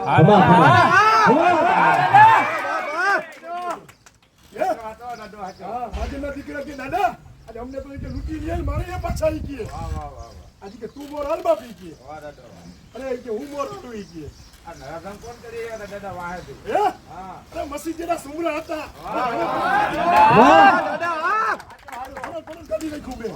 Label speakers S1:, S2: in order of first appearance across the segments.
S1: દીકરા કે દાદા અમને તો લૂટી લે મારે એ પાછા ઈ કે આજે કે તું મોર હાલ બાપી કે અરે કે હું મોર હાલું ઈ કે
S2: કોણ કરી દાદા વાહે
S1: અરે મસી જેના સુમરા હતા કદી નહીં ખૂબે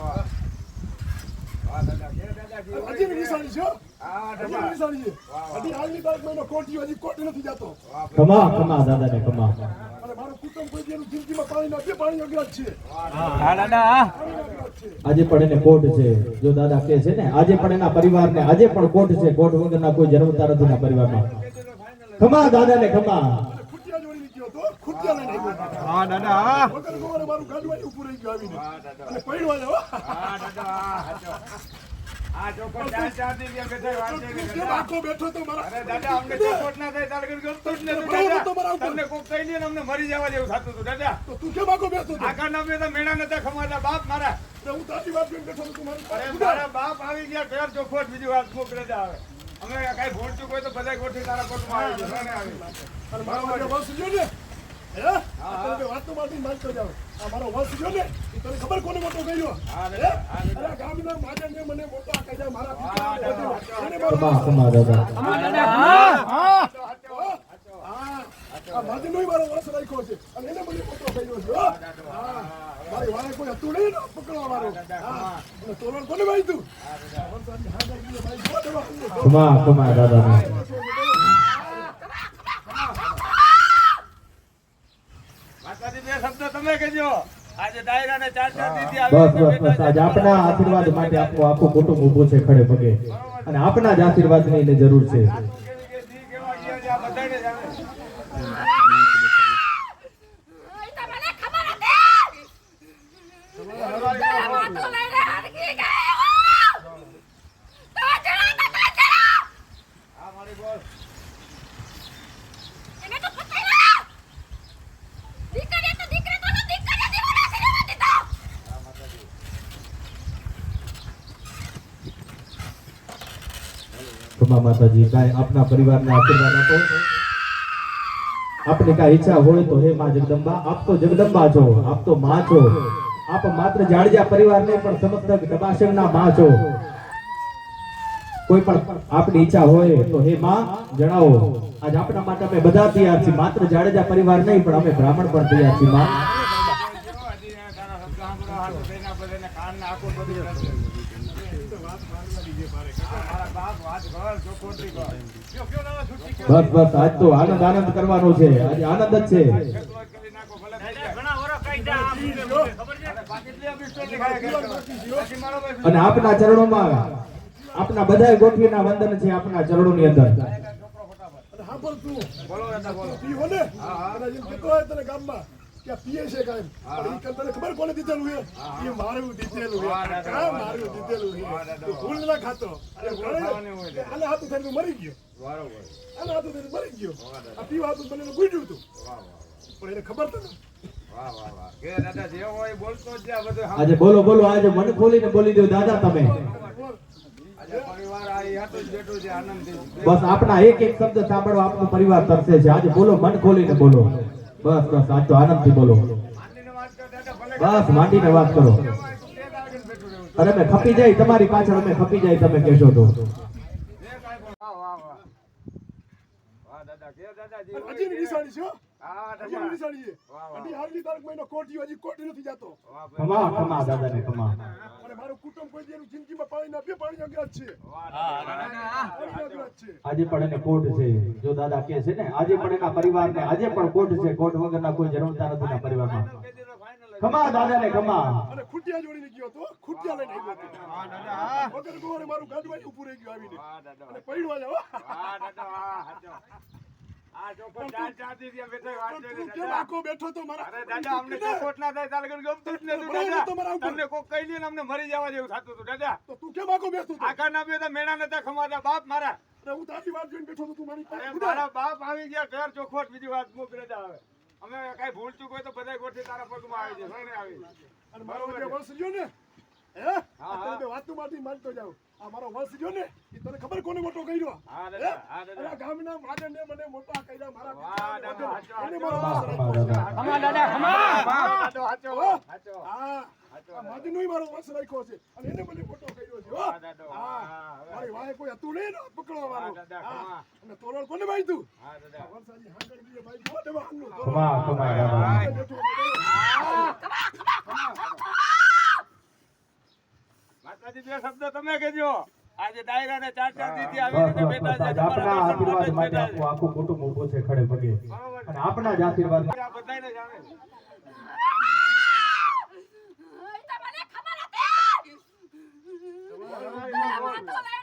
S1: હજી નિશાની છે હજી નિશાની છે હજી હાલની તારીખ મહિનો કોટી હજી કોટી નથી જતો
S3: કમા દાદા ને કમા
S1: અને મારું કુટુંબ કોઈ જેનું જિંદગીમાં પાણી ના પાણી અગ્રજ છે
S3: આજે પણ એને કોટ છે જો દાદા કહે છે ને આજે પણ એના પરિવારને આજે પણ કોટ છે કોટ વગરના કોઈ જન્મતા નથી ના પરિવારમાં કમા દાદા ને કમા
S1: ખુટિયા જોડી નીકળ્યો તો ખુટિયા લઈને આવ્યો
S2: હા દાદા
S1: વગર ગોવારે મારું ગાડવાઈ ઉપર રહી ગયો આવીને અને પડ્યો આવ્યો
S2: હા દાદા આ ચોખોટ ચાર દી ગયા બેઠા વાત છે
S1: કે આખો બેઠો તો મારા
S2: અરે દાદા અમને ચોખોટ ના થાય તારગર ગમતો જ નથી દાદા તમને કોક કહી લે ને અમને મરી જવા જેવું થતું હતું દાદા
S1: તો તું કેમ આખો બેઠો તો
S2: આખા નામે તો મેણા નતા ખમાતા બાપ મારા
S1: હું તારી વાત જોઈને બેઠો તો મારી
S2: અરે મારા બાપ આવી ગયા ઘર ચોખોટ બીજી વાત કોક રજા આવે અમે કઈ ભૂલ ચૂક હોય તો બધા ગોઠવી તારા કોટમાં આવી જશે ને આવી
S1: અને મારો વંશ જો ને હે તમે વાતો માટી માર તો જાવ આ મારો વંશ જો ને તને ખબર કોને મોટો કર્યો અરે ગામના માજને મને મોટો આ કહી મારા પિતા અને મારો
S3: કમા દાદા
S1: આ માજનોય મારો વંશ રાખ્યો છે અને એને મને મોટો કર્યો છે મારી વાળે કોઈ હતું નહીં ને પકડવા વાળો અને તોરણ કોને વાંચ્યું
S3: કમા દાદા
S2: માતાજી બે શબ્દ તમે કહેજો આજે ડાયરા ને ચાર દીધી
S3: બસ આજ આપના આશીર્વાદ માટે આપણું આખું કુટુંબ ઊભું છે ખડે પગે અને આપના જ આશીર્વાદની એને જરૂર છે કમા માતાજી કાંઈ આપના પરિવારને આશીર્વાદ આપો આપને કાંઈ ઈચ્છા હોય તો હે માં જગદંબા આપ તો જગદંબા છો આપ તો માં છો આપ માત્ર જાડજા પરિવારને પણ સમસ્ત ડબાસણના માં છો કોઈ પણ આપની ઈચ્છા હોય તો હે માં જણાવો આજ આપના માટે અમે બધા તૈયાર છીએ માત્ર જાડેજા પરિવાર નહીં પણ અમે બ્રાહ્મણ પણ તૈયાર છીએ માં બસ આજ તો આનંદ કરવાનો છે આજે આનંદ જ છે અને આપના ચરણોમાં આપના બધા ગોઠવીના વંદન છે આપના ચરણોની અંદર
S1: ગામમાં क्या पीए છે કાઈ પણ ઈ તને ખબર કોને દીધેલું છે ઈ મારું દીધેલું છે મારું દીધેલું છે તું ભૂલ ના ખાતો આને હાથું થઈને મરી ગયો બરાબર આને હાથું થઈને મરી ગયો આ પીવા હાથું બનેલું ગુજ્યું તું પણ એને ખબર તો
S2: વાહ વાહ વાહ કે દાદા જે હોય બોલતો જ આ બધું
S3: આજે બોલો આજે મન ખોલીને બોલી દો દાદા તમે
S2: આજે પરિવાર આ હાથું જ બેઠું છે આનંદથી
S3: બસ આપના એક શબ્દ સાંભળવા આપનો પરિવાર તરસે છે આજે બોલો મન ખોલીને બોલો બસ આજ તો આનંદથી બોલો બસ માંડીને વાત કરો અરે અમે ખપી જાય તમારી પાછળ અમે ખપી જાય તમે કહેશો તો
S1: હજી નિશાની છે હજી નિશાની છે હજી હાલની તારીખ મહિનો કોટી હજી કોટી નથી જતો
S3: કમા દાદા ને કમા
S1: અને મારું કુટુંબ કોઈ જેનું જિંદગીમાં પાણી ના પાણી અગ્રજ છે
S3: આજે પણ એને કોટ છે જો દાદા કહે છે ને આજે પણ એના પરિવારને આજે પણ કોટ છે કોટ વગરના કોઈ જન્મતા નથી ના પરિવારમાં કમા દાદા ને કમા
S1: અને ખુટિયા જોડી નીકળ્યો તો ખુટિયા લઈને આવ્યો વગર ગોવારે મારું ગાડવાઈ ઉપર રહી ગયો આવીને અને પડ્યો આવ્યો
S2: આ ચોખોટ ચાર દી ગયા બેઠા વાત છે
S1: તું કેમ આખો બેઠો તો મારા
S2: અરે દાદા અમને ચોખોટ ના થાય તારગર ગમતું જ નથી દાદા તમને કોક કહી લે ને અમને મરી જવા જેવું થતું હતું દાદા
S1: તો તું કેમ આખો બેઠો તો
S2: આખા નામે તો મેણા નતા ખમાતા બાપ મારા
S1: અરે હું તારી વાત જોઈને બેઠો તો તું મારી
S2: અરે મારા બાપ આવી ગયા ઘર ચોખોટ બીજી વાત મુક રજા આવે અમે કઈ ભૂલ ચૂક હોય તો બધા ગોઠવી તારા પગમાં આવી જશે ને આવી
S1: અને મારો જે વંશ રહ્યો ને હે આ તને વાતું માંથી માનતો જાવ આ મારો વંશ જો ને એ તને ખબર કોને મોટો કર્યો
S2: હા દાદા, હા દાદા.
S1: આ ગામના માગણને મને મોટા કર્યા મારા
S2: વાહ દાદા, હાચો,
S1: એને
S2: હાચો.
S1: મારો વંશ રાખ્યો છે.
S4: ખમા દાદા ખમા
S2: હાચો, હાચો,
S1: હો?
S2: હાચો.
S1: હા આ માજીનોય મારો વંશ રાખ્યો છે અને એને મને મોટો કર્યો છે હો
S2: વાહ દાદા, વાહ.
S1: હા મારી વાહે કોઈ હતું નહીં ને પકડવાનું
S2: વાહ દાદા,
S1: હા
S2: ખમા.
S1: અને તોરણ કોને બાંધ્યું
S2: હા દાદા.
S1: વરસાદી હાંગળ દીએ બાંધ્યું હો દેવાનનું
S3: ખમા ખમા દાદા
S2: માતાજી બે શબ્દ તમે કહેજો. આજે ડાયરા ને ચાર દીધી આવી
S3: બસ
S2: રીતે
S3: બસ
S2: બેઠા
S3: બસ
S2: છે.
S3: આજ આપણા
S2: તમારા દર્શન
S3: આશીર્વાદ
S2: માટે જ
S3: માટે
S2: બેઠા છે.
S3: આપણું આખું કુટુંબ ઊભું છે ખડે પગે
S2: બરોબર.
S3: અને આપણા જ આશીર્વાદ
S2: આ બધાયને જ આવે.
S5: તમને ખબર હતી.
S2: બોલો, બોલો, બોલો.